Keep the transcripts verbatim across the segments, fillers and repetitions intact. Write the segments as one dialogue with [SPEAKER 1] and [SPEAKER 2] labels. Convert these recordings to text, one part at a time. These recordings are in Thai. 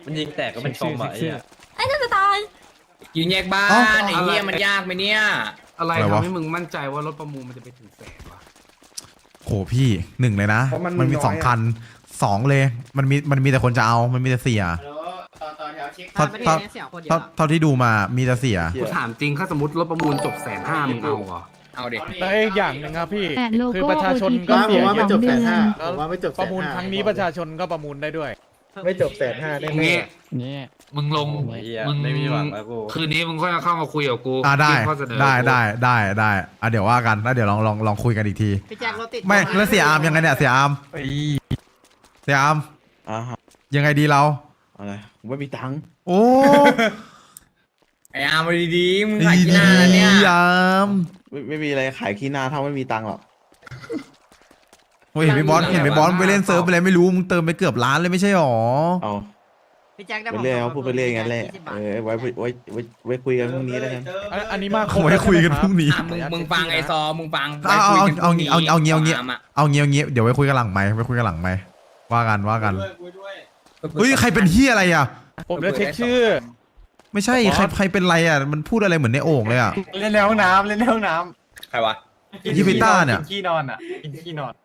[SPEAKER 1] มันยิงแตกก็เป็นซอมอะไอ้เหี้ย
[SPEAKER 2] ไอ้นั่นจะตาย
[SPEAKER 3] ยิงแยกบ้านไอ้เหี้ยมันยากไหมเนี่ย
[SPEAKER 4] อะไรทำให้มึงมั่นใจว่ารถประมูลมันจะไปถึงแสนวะ
[SPEAKER 5] โหพี่หนึ่งเลยนะมันมีสองคันสองเลยมันมีมันมีแต่คนจะเอามันมีแต่เสียเท่าเท่าเท่าเท่าที่ดูมามีแต่เสีย
[SPEAKER 4] กูถามจริงถ้าสมมติรถประมูลจบแสนห้ามึงเอาเหรอ
[SPEAKER 3] เอาเด็ก
[SPEAKER 6] แต่อีกอย่างหนึ่งครับพี่
[SPEAKER 7] แต่โล
[SPEAKER 6] คือ
[SPEAKER 7] โก้
[SPEAKER 6] ประชาชน
[SPEAKER 7] โอ
[SPEAKER 6] ก็
[SPEAKER 7] ที
[SPEAKER 6] เสี
[SPEAKER 7] พี
[SPEAKER 6] ย
[SPEAKER 7] สองเดือน
[SPEAKER 8] ผมว่าไม่จบ
[SPEAKER 6] ประมูลครั้งนี้ประชาชนก็ประมูลได้ด้วย
[SPEAKER 8] ไม่จบแสนห้าแน่
[SPEAKER 4] งี้
[SPEAKER 7] นี่
[SPEAKER 4] มึงลง
[SPEAKER 1] ไอ้เหี้ย
[SPEAKER 4] มึง
[SPEAKER 1] ไม่มีหวังแล้วกู
[SPEAKER 4] คืนนี้มึงค่อยเข้ามาคุยกับกู
[SPEAKER 5] อ่าได้
[SPEAKER 4] ยื่นข้อเสนอ
[SPEAKER 5] ได้ได้ได้ได้อ่ะเดี๋ยวว่ากันแล้วเดี๋ยวลองลองลองคุยกันอีกที
[SPEAKER 9] พี่แจ็ครถติด
[SPEAKER 5] ไม่แล้วเสียอาร์มยังไงเนี่ยเสียอาร์มเสียอาร์ม
[SPEAKER 8] อ่าฮะ
[SPEAKER 5] ยังไงดีเรา
[SPEAKER 8] อะไรผมไม่มีตังค์
[SPEAKER 5] โอ้
[SPEAKER 3] ไอ้อาร์มดีๆมึงขายที่หน้าเนี่ย
[SPEAKER 5] ยาม
[SPEAKER 8] ไม่ไม่มีอะไรขายขี้หน้าถ้าไม่มีตังค์หรอก
[SPEAKER 5] โอ้ยเห็นไหมบอสเห็นไหมบอสไปเล่นเซิร์ฟไปอะไรไม่รู้มึงเติมไปเกือบล้านเลยไม่ใช่หรอ
[SPEAKER 8] เอา
[SPEAKER 9] พี่แจ็คได้
[SPEAKER 8] ไปเรื่อยเขาพูดไปเรื่อยงั้นแหละเออไว้ไว้ไว้ไว้ไว้คุยกันพรุ่งนี้แล้วกัน
[SPEAKER 6] อันอันนี้มาก
[SPEAKER 5] เอาไว้คุยกันพรุ่งนี้
[SPEAKER 3] อ่ะมึงมึงฟังไอ้ซอมึงฟัง
[SPEAKER 5] เอาเอาเอาเอาเอาเอาเงี้ยเอาเงี้ย
[SPEAKER 3] อาร์มอะ
[SPEAKER 5] เอาเงี้ยเอาเงี้ยเดี๋ยวไว้คุยกันหลังไหมค์ไว้คุยกันหลังไหมค์ว่ากันว่ากันเฮ้ยใครเป็นเฮียอะไรอ่ะ
[SPEAKER 6] ผมจะเช็คชื่อ
[SPEAKER 5] ไม่ใช่ใครใครเป็นไรอ่ะมันพูดอะไรเหมือนในโอ่งเลยอ่ะ
[SPEAKER 6] เล่นในห้องน้ำเล่นในห้องน้
[SPEAKER 3] ใครวะ
[SPEAKER 6] ำ
[SPEAKER 5] ยี่ปิต้าเนี่ย
[SPEAKER 6] กิขี้นอนอ่ะกินขี้นอน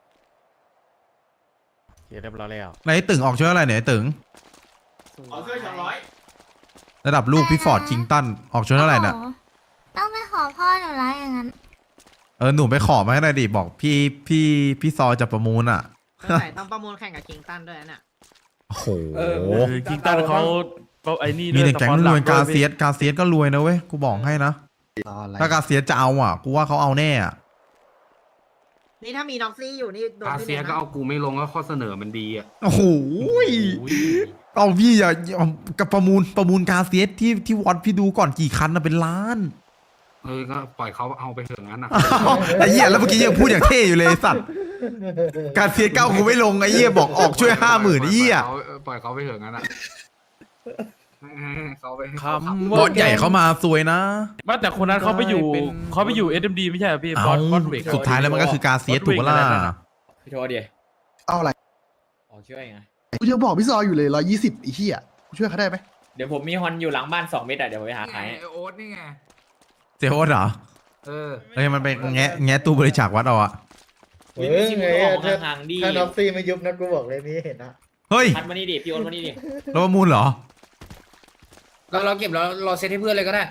[SPEAKER 6] เรียบร้อยแล้ว
[SPEAKER 5] ไหนตึงออกช่วยอะไรเนี่ยไอ้ตึง
[SPEAKER 9] เอาช่วยสองร้อย
[SPEAKER 5] ระดับลูกพี่ฟอร์ดคิงตันออกช่วยเท่าไหร่เนี่ย
[SPEAKER 2] ต้องไปขอพ่อหนูละอย่างนั้น
[SPEAKER 5] เออหนูไปขอมาให้หน่อยดิบอกพี่พี่พี่ซอจะประมูลอ่ะ
[SPEAKER 9] ใส่ต้องประมูลแข่งกับคิงตันด้วยนะ
[SPEAKER 5] โอ้โห
[SPEAKER 1] คิงตันเขาไอ้นี่
[SPEAKER 5] มีแต่แก๊งรวยกาเซียสกาเซียสก็รวยนะเว้ยกูบอกให้นะถ้ากาเซียสจะเอาอ่ะกูว่าเขาเอาแน่อ่ะ
[SPEAKER 9] นี่ถ้ามีน็อกซี่อยู่นี่โดน
[SPEAKER 4] อา
[SPEAKER 9] พี่
[SPEAKER 4] เซีย
[SPEAKER 9] เลย
[SPEAKER 4] ก็
[SPEAKER 9] นะ
[SPEAKER 4] เอากูไม่ลงก็ข้อเสนอมันดีอ่ะ
[SPEAKER 5] โอ้โหเอาพี่อย่าเอากับประมูลประมูลกาเซียสที่ที่วัดพี่ดูก่อนกี่คันนะเป็นล้าน
[SPEAKER 4] เออก็ปล่อยเขาเอาไปเถอะงั้นนะ
[SPEAKER 5] ไอ้เหี้ยแล้วเมื่อกี้ยังพูดอย่างเท่อยู่เลยไอ้สัตว์กาเซียสเก้ากูไม่ลงไอ้เหี้ยบอกออกช่วยห้าหมื่นไอ้เหี้ย
[SPEAKER 4] ปล่อยเขาไปเถอะงั้นอ่ะเขาไป
[SPEAKER 6] คำ
[SPEAKER 5] บอสใหญ่เข้ามาซวยนะ
[SPEAKER 1] ว่าแต่คนนั้นเขาไปอยู่เขาไปอยู่ เอส เอ็ม ดี ไม่ใช่เหรอพี่
[SPEAKER 5] เอา
[SPEAKER 1] บอสบอสเวก
[SPEAKER 5] สุดท้ายแล้วมันก็คือกาเซียสถูกปะล่ะ
[SPEAKER 3] พี่โทษดิ
[SPEAKER 10] เอาอะไร
[SPEAKER 3] ออกช่วยไง
[SPEAKER 10] กูจะบอกพี่ซออยู่เลยร้อยยี่สิบอีเหี้ยกูช่วยเขาได้ไหม
[SPEAKER 3] เดี๋ยวผมมีฮอนอยู่หลังบ้านสองเมตรอะเดี๋ยวผมไปหาขายให้
[SPEAKER 4] โอ๊ตนี่ไง
[SPEAKER 5] เสียโอ๊ตเหรอ
[SPEAKER 4] เออ
[SPEAKER 5] เฮ้ยมันไปแงะแงะตู้บริจาควัดเอาอะ
[SPEAKER 8] เออไงถ้าถ้าน็อกซี่ไม่ยุบนะกูบอกเลยนี่เห็นนะ
[SPEAKER 5] เฮ้ย
[SPEAKER 3] พัดมานี่ดิพี่โอนมานี่ดิ
[SPEAKER 5] เราประมูลเหรอ
[SPEAKER 3] เราเราเก็บเราเราเซตให้เพื่อนเลยก็ได้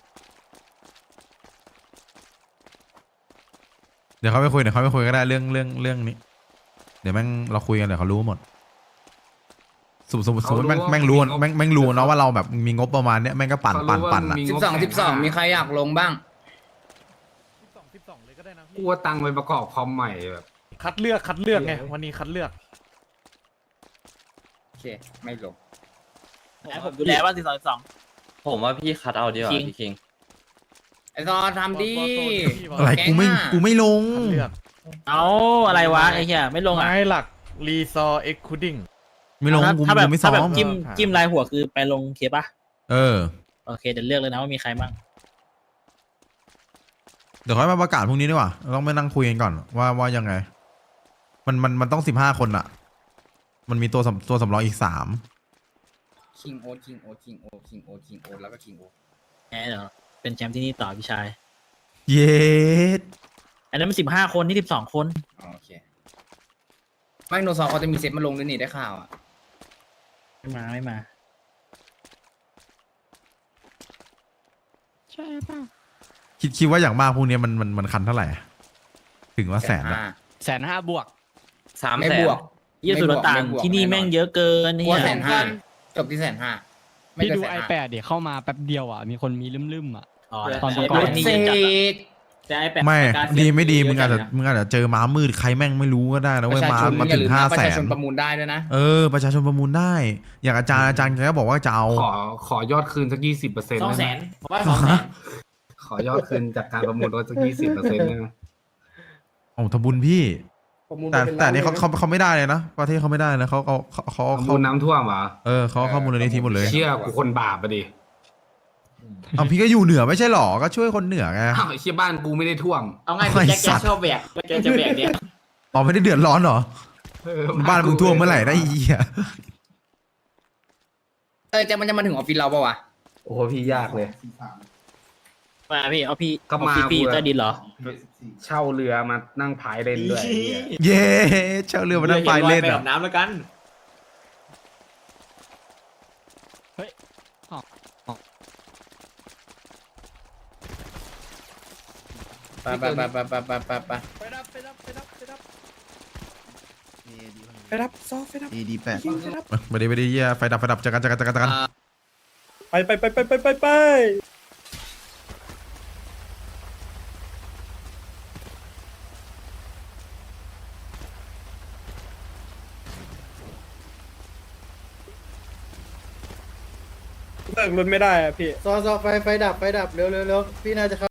[SPEAKER 5] เดี๋ยวเขาไปคุยเดี๋ยวเขาไปคุยก็ได้เรื่องเรื่องเรื่องนี้ เดี๋ยวแม่งเราคุยกันเดี๋ยวเขารู้หมดสมมติสมมติสมมติแม่งแม่งรู้แม่งแม่งรู้เนาะว่าเราแบบมีงบประมาณเนี้ยแม่งก็ปั่นปั่นปั่นอะ
[SPEAKER 3] สิบสองสิบสองมีใครอยากลงบ้าง
[SPEAKER 6] สิบสองสิบสองเลยก็ได้นะ
[SPEAKER 4] กูว่าตังค์ไปประกอบคอมใหม่แบบ
[SPEAKER 6] คัดเลือกคัดเลือกไงวันนี้คัดเลือก
[SPEAKER 3] โอเคไม่ลง
[SPEAKER 9] ผมดูแลว่าสิบสองสิบสอง
[SPEAKER 1] ผมว่าพี่คัดเอาดีกว่าพี่คิง
[SPEAKER 3] ไอ้ซอทำดิ
[SPEAKER 5] อะไรกูไม่กูไม่ลง
[SPEAKER 6] คัดเลือก
[SPEAKER 9] เอาอะไรวะไอ้เหี้ยไม่ลงอ่ะ
[SPEAKER 6] ไม้หลักรีซอเอ็กคูดิ้ง
[SPEAKER 5] ไม่ลงกู
[SPEAKER 9] ถ้าแบบ
[SPEAKER 5] กูไม่ซ้อ
[SPEAKER 9] ถ้าแบบ
[SPEAKER 5] ม
[SPEAKER 9] จิ้มจิ้มลายหัวคือไปลงเคปะ
[SPEAKER 5] เออ
[SPEAKER 9] โอเคเดี๋ยวเลือกเลยนะว่ามีใครบ้าง
[SPEAKER 5] เดี๋ยวค่อยมาประกาศพรุ่งนี้ดีกว่าเราต้องไปนั่งคุยกันก่อนว่าว่ายังไง มันมันมันต้องสิบห้าคนอะมันมีตัวสำตัวสำรองอีกสาม
[SPEAKER 3] คิงโอคิงโอคิงโอคิงโอคิงโอแล้วก็คิงโอ
[SPEAKER 9] แหมเดี๋ยวเป็นแชมป์ที่นี่ต่อพี่ชาย
[SPEAKER 5] เย็ด
[SPEAKER 9] อันนั้นมันสิบห้าคนที่สิบสองคน
[SPEAKER 3] โอเคไม่โนซอเขาจะมีเซตมาลงด้วยนี่ได้ข่าวอ่ะ
[SPEAKER 9] ไม่มาไม่มา
[SPEAKER 7] ใช่ป่ะ
[SPEAKER 5] คิดคิดว่าอย่างมากพวกเนี้ยมันมันมันคันเท่าไหร่อะถึงว่าแสนอะ
[SPEAKER 9] แสนห้าบวก
[SPEAKER 1] สาม
[SPEAKER 3] ไม่
[SPEAKER 1] แสน
[SPEAKER 3] บวก
[SPEAKER 9] ยี่สิบต่างที่นี่แม่งเยอะเกิน
[SPEAKER 3] กลั
[SPEAKER 9] เนี่
[SPEAKER 3] วย แสนห้าจบที่แสนห้าไม่
[SPEAKER 11] พี่
[SPEAKER 3] เกิน
[SPEAKER 11] ดู
[SPEAKER 3] แสน
[SPEAKER 11] ไอ
[SPEAKER 3] ห้า
[SPEAKER 11] แปดเดี๋ยวเข้ามาแป๊บเดียวอ่ะ มีคนมีลืมๆอ่ะ
[SPEAKER 9] อ๋อ
[SPEAKER 11] ตอนประกอบ
[SPEAKER 9] นี่
[SPEAKER 3] เซ
[SPEAKER 9] เยอะจัดอะ
[SPEAKER 3] ก
[SPEAKER 9] แต่ไอแปด
[SPEAKER 5] ไม่ดีไม่ดีมึงอาจจะมึงอาจจะเจอม้ามืดใครแม่งไม่รู้ก็ได้นะ
[SPEAKER 3] ป
[SPEAKER 5] เว้ย
[SPEAKER 3] ระชา
[SPEAKER 5] มา
[SPEAKER 3] ชน
[SPEAKER 5] มา
[SPEAKER 3] อย่า
[SPEAKER 5] ถึ
[SPEAKER 3] ลื
[SPEAKER 5] ง
[SPEAKER 3] ม
[SPEAKER 5] ห้า
[SPEAKER 3] นะประ
[SPEAKER 5] แส
[SPEAKER 3] ชาน ชนประมูลได้ด้วยนะ
[SPEAKER 5] เออประชาชนประมูลได้ อย่างอาจารย์อาจารย์แกก็บอกว่าจะเอา
[SPEAKER 4] ขอขอยอดคืนสักยี่สิบเปอร์เซ็นต์
[SPEAKER 9] สองแสนผมว่าสองแสน
[SPEAKER 4] ขอยอดคืนจากการประมูลรถสักยี่สิบเปอร์เซ็นต์นะ
[SPEAKER 5] โอ้ทำบุญพี่ แต่แต่อันนี่เขาเขาเขาไม่ได้เลยนะประเทศเขาไม่ได้นะเขาเขาเขาเขา
[SPEAKER 4] ประมู
[SPEAKER 5] เขา
[SPEAKER 4] ลน้ำท่วมเหรอ
[SPEAKER 5] เออเขาเขามูลนิธิหมดเลย
[SPEAKER 4] เชี่ยกูคนบาปอะดิ
[SPEAKER 5] เอาพี่ก็อยู่เหนือไม่ใช่หรอก็ช่วยคนเหนือไง
[SPEAKER 4] อ้าวไอ้เชี่ยบ้านกูไม่ได้ท่วม
[SPEAKER 9] เอาไงพี่แจ็คแกชอบแบกแกจะแบกเนี่ย
[SPEAKER 5] อ๋อไม่ได้เดือดร้อนเหรอ
[SPEAKER 4] เออ
[SPEAKER 5] บ้านมึงท่วมเมื่อไหร่ได้อีอ่ะ
[SPEAKER 3] เออจะมันจะมาถึงออฟฟิศเราปะวะ
[SPEAKER 4] โอ้โหพี่ยากเลย
[SPEAKER 9] มาพี่เอาพี่
[SPEAKER 4] ก็มา
[SPEAKER 9] พี่
[SPEAKER 4] กูอะ
[SPEAKER 9] ใต้ดินเหรอ
[SPEAKER 4] เช่าเรือมานั่งพายเล่นด้วยไอ้เหี้ย
[SPEAKER 5] เย้เช่าเรือมานั่งพายเล่น
[SPEAKER 9] ไป
[SPEAKER 5] เหร
[SPEAKER 9] อา
[SPEAKER 5] อ่ะ
[SPEAKER 9] บน้ำแล้วกัน
[SPEAKER 3] ไปไปไปไปไปไปไปไป
[SPEAKER 8] ไปรับซอฟไปรับ
[SPEAKER 10] เอดีแปด
[SPEAKER 5] ไปดิไปดิเหี้ยไฟดับไฟดับเจอกันเจอกันเจอกันเจอกัน
[SPEAKER 8] ไปไปไปไปไปไปไป
[SPEAKER 6] เลิกรถไม่ได้อะพี่
[SPEAKER 8] ซอซอไฟไฟดับไฟดับเร็วเร็วเร็วพี่น่าจะเข้า